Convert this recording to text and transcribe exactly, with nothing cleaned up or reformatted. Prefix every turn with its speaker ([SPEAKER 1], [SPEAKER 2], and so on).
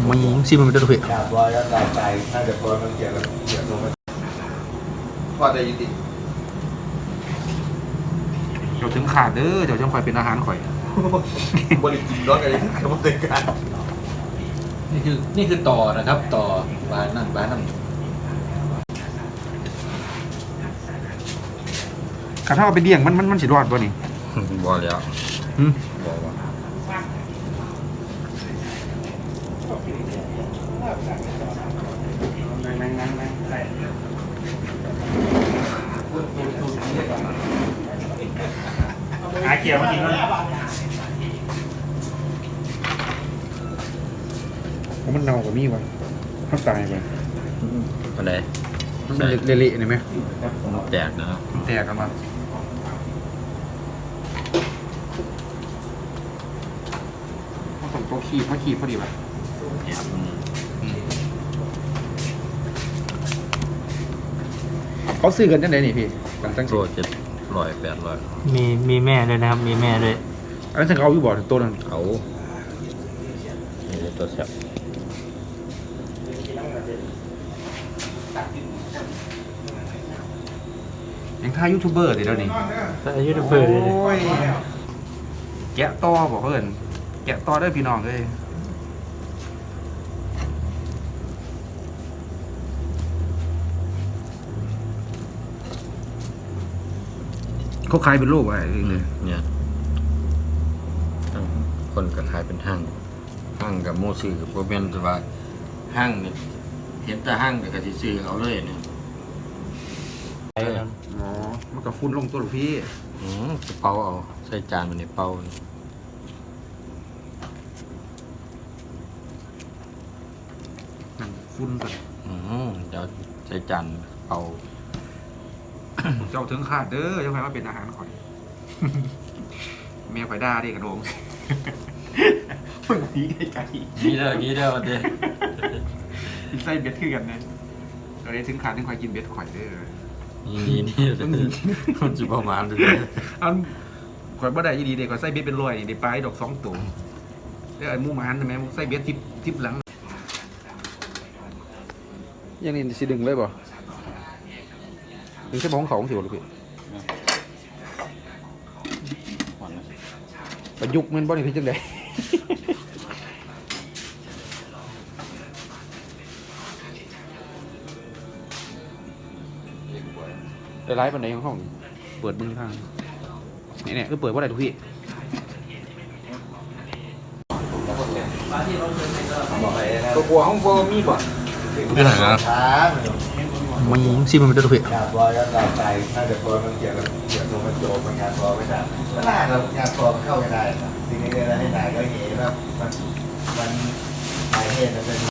[SPEAKER 1] มันซีมันจะถูก
[SPEAKER 2] ดาบร้อยแล้วดาบใจน่าจะพอมันเกี่ยวกับเกี่ยวกับพอได้ยุติ
[SPEAKER 1] เดี๋ยวถึงขาดเด้อเดี๋ยวจะคอยเป็นอาหารข่อย
[SPEAKER 2] บริจิตรถอะไรที่ขายบริการ
[SPEAKER 3] นี่คือนี่คือต่อนะครับต่อบ้านนั่นบ้านนั่น
[SPEAKER 1] ข้าถ้าเอาไปเลี้ยงมันมันมันสิรอดป่ะนี่
[SPEAKER 3] บ่แล้ว
[SPEAKER 1] หืม
[SPEAKER 3] บ่ว่า
[SPEAKER 1] หาเขียวมากินแล้วมันเน่ากว่ามีวะมันตายไป
[SPEAKER 3] อะไร
[SPEAKER 1] มันเละๆนี่ไหม
[SPEAKER 3] มันแตกนะครับ
[SPEAKER 1] มันแตกกันมาผสมตัวขี้พอขี้พอดีป่ะ
[SPEAKER 3] แหนม
[SPEAKER 1] เขาซื้อกันจังไหนนี่พี่กันตั้ง
[SPEAKER 3] โซ่เจ็ดร้อยแปดร้อย
[SPEAKER 4] มีมีแม่ด้วยนะครับ มีแม่ด้วย
[SPEAKER 1] อันนั้นฉันเอาอยู่บ่อตัวนั้น
[SPEAKER 3] เอานี่ตัวแซ่บ
[SPEAKER 1] ยังท่ายูทูบเบอร์เดี๋ยวนี้
[SPEAKER 4] อายุเบอร์เลย
[SPEAKER 1] โอ้ยแกะต่อบอกเพื่อนแกะต่อได้พี่น้องเลยเขาขายเป็นโลกอะไรเลย
[SPEAKER 3] เนี่ยคนก็ขายเป็นห้างห้างกับโมซื้อกับโปรเมนแต่ว่าห้างเนี่ยเห็นแต่ห้างแต่ก็สิซื้อเอาเลยเนี่ยเออ
[SPEAKER 1] อ๋อมันก็ฟุ้นลงตัวหลูกพี่
[SPEAKER 3] อืมจะเป่าเอาใส่จานมันเนี่ยเป่า
[SPEAKER 1] นั่นฟุ้นกัน
[SPEAKER 3] อืมเดี๋ยวใส่จานเป่า
[SPEAKER 1] เจ้าถึงขาดเด้อเจ้าใครว่าเป็นอาหารข่อย เมียข่อยด่าดิกระโดงมึงผีไกล
[SPEAKER 3] นี่เด้อนี่เด้อเด้อ
[SPEAKER 1] ๆกินไส้เบ็ดคือกันนะเราได้ถึงขาดถึงข่อยกินเบ็ดข่อยเด้อ
[SPEAKER 3] นี่นี่นี่เด้อมันจะประมาณเด้อ
[SPEAKER 1] อันข่อยบ่ได้ยีดีเด็กข่อยไส้เบ็ดเป็นร้อยนี่ได้ปลาดอกสองตัวแล้วไอ้หมูหมันใช่ไหมไส้เบ็ดทิปทิปหลังยังนี่สิดึงเลยบ่ดึงใช่บ้องเขาของสิวหรือพี่ประยุกต์มันบ่นี่พี่จังไดได้ไลฟ์ปันไหนของห้องเปิดมึงทางเนี่ยเนี่ยคือเปิดว่าอะไรทุกพี่
[SPEAKER 2] บอกไปนะ
[SPEAKER 1] ตัวกลัวห้องโบมีบ่
[SPEAKER 3] ไม่ไหนนะ
[SPEAKER 2] ช้า
[SPEAKER 1] มันซีมันจะทุกพี่
[SPEAKER 2] ดาบร้อยแล้วดาบใจน่าจะพอมันเกี่ยวกับเกี่ยวกับมันโจมมันงานพอไม่ได้ก็น่าจะงานพอมันเข้าไม่ได้สิ่งนี้ได้ให้นายก็เห็นว่ามันมันนายเทศมันเป็น